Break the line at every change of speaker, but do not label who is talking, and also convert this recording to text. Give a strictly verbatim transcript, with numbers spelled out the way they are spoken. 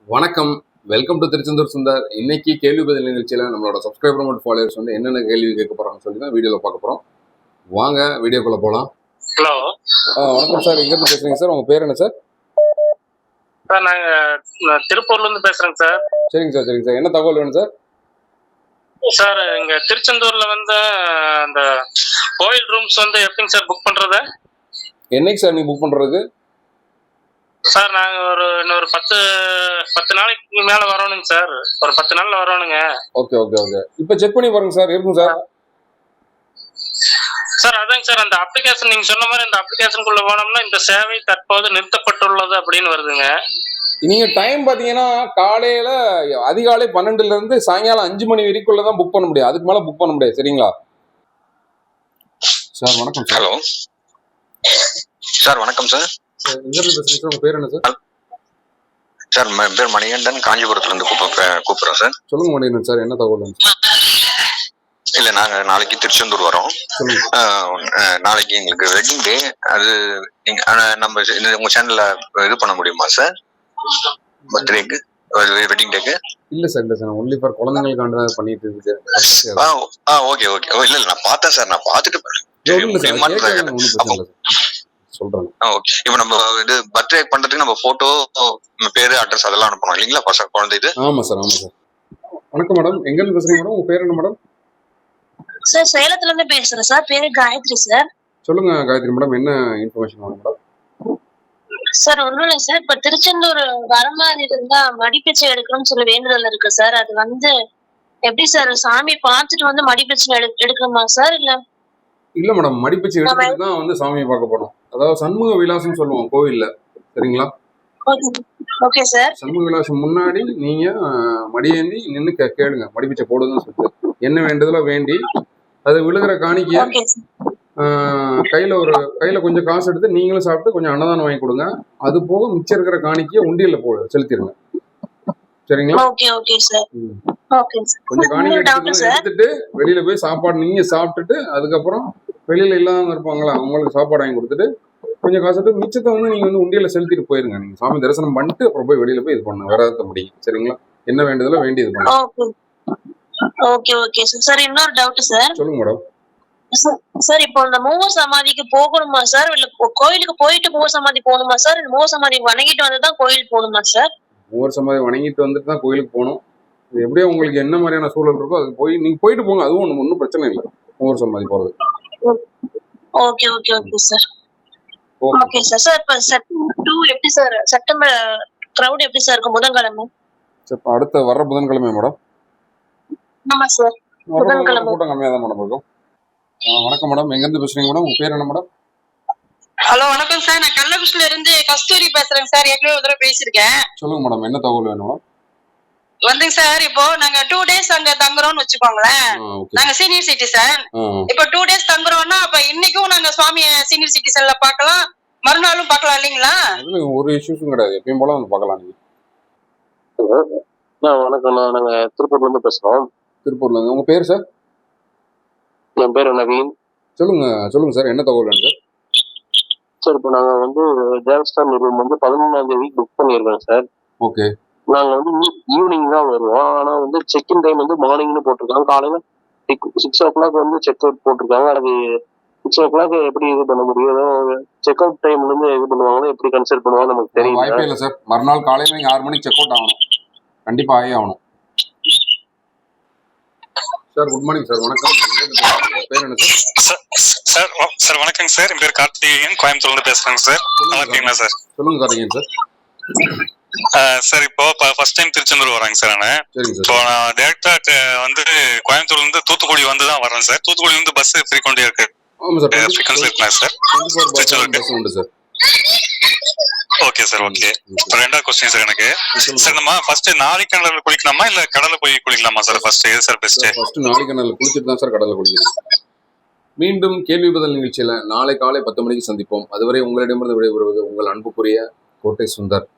வணக்கம், welcome to Tiruchendur Sundar. இன்னைக்கு கேள்வி பதில் நிகழ்ச்சியில் நம்மளோட சப்ஸ்கிரைபர் மற்றும் ஃபாலோவர்ஸ் வந்து என்னென்ன கேள்வி கேட்க போறாங்கன்னு சொல்லி தான் வீடியோவில் பார்க்க போகிறோம். வாங்க வீடியோக்குள்ளே போகலாம்.
ஹலோ,
வணக்கம் சார். எங்கேருந்து பேசுறீங்க சார்? உங்கள் பேர் என்ன சார்?
சார் நாங்கள் திருப்பூர்லேருந்து பேசுகிறேங்க சார்.
சரிங்க சார், சரிங்க சார். என்ன தகவல் வேணும் சார்?
சார் இங்கே திருச்செந்தூரில் வந்து அந்த கோயில் ரூம்ஸ் வந்து எப்படிங்க சார் புக் பண்ணுறது?
என்னைக்கு சார் நீங்கள் புக் பண்ணுறது?
சார் நாங்கள் ஒரு இன்னொரு பத்து பத்து நாளைக்கு மேலே வரணுங்க சார். ஒரு பத்து நாளில் வரணுங்க.
Okay okay okay. இப்போ செக் பண்ணி பாருங்க சார், இருக்கும் சார்.
சார் அதாங்க சார், அந்த அப்ளிகேஷன் நீங்கள் சொன்ன மாதிரி அந்த அப்ளிகேஷனுக்குள்ளே போனோம்னா இந்த சேவை தற்போது நிறுத்தப்பட்டுள்ளது அப்படின்னு வருதுங்க.
நீங்கள் டைம் பார்த்தீங்கன்னா காலையில் அதிகாலை பன்னெண்டுலேருந்து சாயங்காலம் அஞ்சு மணி வரைக்குள்ளே தான் புக் பண்ண முடியும். அதுக்கு மேலே புக் பண்ண முடியாது. சரிங்களா சார்? வணக்கம் சார்.
Hello sir. வணக்கம் சார்.
சார் எங்கேருந்து பேசுறீங்க சார்? உங்கள் பேர் என்ன சார்?
சார் என் பேர் மணிகண்டன், காஞ்சிபுரத்துலேருந்து கூப்பிட்றேன் கூப்பிட்றோம் சார்.
சொல்லுங்க மணிகண்டன் சார், என்ன தகவல்?
இல்லை, நாங்கள் நாளைக்கு திருச்செந்தூர் வரோம். நாளைக்கு எங்களுக்கு வெட்டிங் டே. அது நீங்கள் நம்ம உங்கள் சேனலில் இது பண்ண முடியுமா சார்? பர்த்டேக்கு, வெட்டிங் டேக்கு?
இல்லை சார், இல்லை சார். ஒன்லி ஃபார் குழந்தைங்களுக்காண்டி தான் பண்ணிட்டு இருக்கு.
ஆ ஆ ஓகே ஓகே. ஓ இல்லை இல்லை, நான் பார்த்தேன் சார். நான் பார்த்துட்டு
சொல்றேன்.
ஓகே. இப்போ நம்ம இது பர்த்டே பண்றதுக்கு நம்ம போட்டோ, பேரு, அட்ரஸ் அதெல்லாம் அனுப்பணும் இல்லைங்களா பசங்க குழந்தை இது?
ஆமா சார், ஆமா சார். வணக்கம் மேடம், எங்க இருந்து பேசுறீங்க மேடம்? உங்க பேர் என்ன மேடம்?
சார் சேலத்துல இருந்து பேசுறேன் சார். பேரு காயத்ரி சார்.
சொல்லுங்க காயத்ரி மேடம், என்ன இன்ஃபர்மேஷன் வேணும் மேடம்?
சார் ஒண்ணும் இல்லை சார், இப்ப திருச்செந்தூர் வர மாதிரி இருந்தா மடிப்பிச்சை எடுக்கணும்னு சொல்லி வேண்டுதல் இருக்கு சார். அது வந்து எப்படி சார், சாமி பார்த்துட்டு வந்து மடிப்பிச்சை எடு எடுக்கணுமா சார்? இல்ல
இல்ல மேடம், மடிப்பிச்சை எடுத்துட்டு தான் வந்து சாமியை பார்க்க போறோம். அதாவது சண்முக விலாசம் சொல்லுவோம் கோவில்ல. சரிங்களா?
Okay sir.
சண்முக விலாசம் முன்னாடி நீங்க மடியேந்தி நின்று கேளுங்க, மடிப்பிச்சை போடுதுன்னு சொல்லிட்டு என்ன வேண்டுதலோ வேண்டி அது விழுகிற காணிக்கைய கையில ஒரு கையில கொஞ்சம் காசு எடுத்து நீங்களும் சாப்பிட்டு கொஞ்சம் அன்னதானம் வாங்கி கொடுங்க. அது போக மிச்சம் இருக்கிற காணிக்கைய உண்டியல்ல போ செலுத்திடுங்க. சரிங்களா? கொஞ்சம் காணிக்கை எடுத்துட்டு வெளியில போய் சாப்பாடு நீங்க சாப்பிட்டுட்டு அதுக்கப்புறம் வெளியில இல்லாம இருப்பாங்களா அவங்களுக்கு சாப்பாடு வாங்கி கொடுத்துட்டு கொஞ்சம் காசு மிச்சத்தை வந்து நீங்க வந்து உண்டியல செலுத்திட்டு போயிருங்க. நீங்க சாமி தரிசனம் பண்ணிட்டு அப்புறம் போய் வெளியில போய் இது பண்ணுங்க. வேற முடியும். சரிங்களா? என்ன வேண்டியதுல வேண்டியது பண்ணுங்க.
Okay okay sir. இன்னொரு டவுட் சார்.
சொல்லுங்க மேடம்.
சார் இப்போ இந்த மூவர் சமாதிக்கு போகணுமா சார்? இல்ல கோயிலுக்கு போயிட்டு மூவர் சமாதி போகணுமா சார்? மூவர் சமாதி வணங்கிட்டு வந்துதான் கோயிலுக்கு போகணுமா சார்?
மூவர் சமாதி வணங்கிட்டு வந்துட்டு தான் கோயிலுக்கு போகணும். எப்படியோ உங்களுக்கு என்ன மாதிரியான சூழல் இருக்கோ அதுக்கு போய் நீங்க போயிட்டு போங்க. அதுவும் ஒன்றும் ஒன்றும் பிரச்சனை இல்லை மூவர் சமாதி போறது.
Okay okay okay sir. Okay sir. Sir இப்போ செப்டம்பர் டூ எப்படி சார்? செப்டம்பர் கிரவுட் எப்படி சார் இருக்கும் புதன்கிழமை?
சார் அடுத்த வர்ற புதன்கிழமை மேடம்?
ஆமா சார், புதன்கிழமை
கூட்டம் கம்மியாக தான் மேடம் இருக்கும். வணக்கம் மேடம், எங்க இருந்து பேசுறீங்க மேடம்? உங்க பேர் என்ன மேடம்?
ஹலோ வணக்கம் சார். நான் கள்ளக்குறிச்சில இருந்து கஸ்தூரி பேசுறேன் சார். ஏற்கனவே ஒரு தடவை பேசியிருக்கேன்.
சொல்லுங்க மேடம், என்ன தகவல் வேணும்?
வந்துங்க சார், இப்போ நாங்க டூ டேஸ் அங்க தங்குறோம்னு வச்சுக்கோங்களேன். நாங்க சீனியர் சிட்டிசன். இப்போ டூ டேஸ் தங்குறோம்னா அப்ப இன்னைக்கும் நாங்க சுவாமிய சீனியர் சிட்டிசன்ல பாக்கலாம், மறுநாளும் பாக்கலாம் இல்லீங்களா?
ஒரு இஷ்யூஸும் கிடையாது, எப்பயும் போல வந்து பாக்கலாம். நீங்க
வணக்கம், நாங்க திருப்பூர்ல இருந்து பேசுறோம்.
திருப்பூர்ல இருந்து. உங்க பேர் சார்?
என் பேர் நவீன்.
சொல்லுங்க சொல்லுங்க சார், என்ன தகவல் வேணும் சார்?
சார் இப்போ நாங்க வந்து தேவஸ்தான் ரூம் வந்து பதினொன்றாம் தேதி புக் பண்ணியிருக்கோம் சார்.
ஓகே.
நாங்க வந்து ஈவினிங் தான் வருவோம். ஆனா வந்து செக்இன் டைம் வந்து மார்னிங்னு போட்டிருக்காங்க. காலையில சிக்ஸ் ஓ கிளாக் வந்து செக் அவுட் போட்டிருக்காங்க. அது சிக்ஸ் ஓ கிளாக் எப்படி இது பண்ண முடியும்? செக் அவுட் டைம்ல இருந்து இது பண்ணுவாங்களோ எப்படி கன்சிடர் பண்ணுவாங்க நமக்கு தெரியும்.
வாய்ப்பே இல்லை சார். மறுநாள் காலையில நீங்க ஆறு மணிக்கு செக் அவுட் ஆகணும். கண்டிப்பா ஆகி ஆகணும். Sir good morning sir. வணக்கம், பேர் என்ன சார்?
சார் சார் வணக்கங்க சார். என் பேர் கார்த்திகேயன், கோயம்புத்தூர்ல இருந்து பேசுறேங்க சார். நல்லா இருக்கீங்களா சார்?
சொல்லுங்க கார்த்திகேயன் சார்.
சார் இப்போ ஃபர்ஸ்ட் டைம் திருச்செந்தூர் வராங்க சார். நான் இப்போ நான் டேரக்டா வந்து கோயம்புத்தூர்ல இருந்து தூத்துக்குடி வந்து தான் வரேன் சார். தூத்துக்குடி வந்து பஸ் ஃப்ரீக்வெண்டா இருக்கு.
ஆமா சார்,
ஃப்ரீக்வென்சி இருக்குங்க சார்.
பஸ் உண்டு சார்.
Okay sir. ஓகே. ரெண்டாவது क्वेश्चन சார் எனக்கு. சார் நம்ம ஃபர்ஸ்ட் நாளிக்கிணறுல குளிக்கலாமா இல்ல கடல்ல போய் குளிக்கலாமா சார்? ஃபர்ஸ்ட் எது சார் பெஸ்ட்?
ஃபர்ஸ்ட் நாளிக்கிணறுல குளிச்சிட்டு தான் சார் கடல்ல குளிக்கணும். மீண்டும் கேள்வி பதில் நிகழ்ச்சியில நாளை காலை பத்து மணிக்கு சந்திப்போம். அதுவரை உங்களிடமிருந்து விடைபெறுவது உங்கள் அன்புக்குரிய கோட்டை சுந்தர்.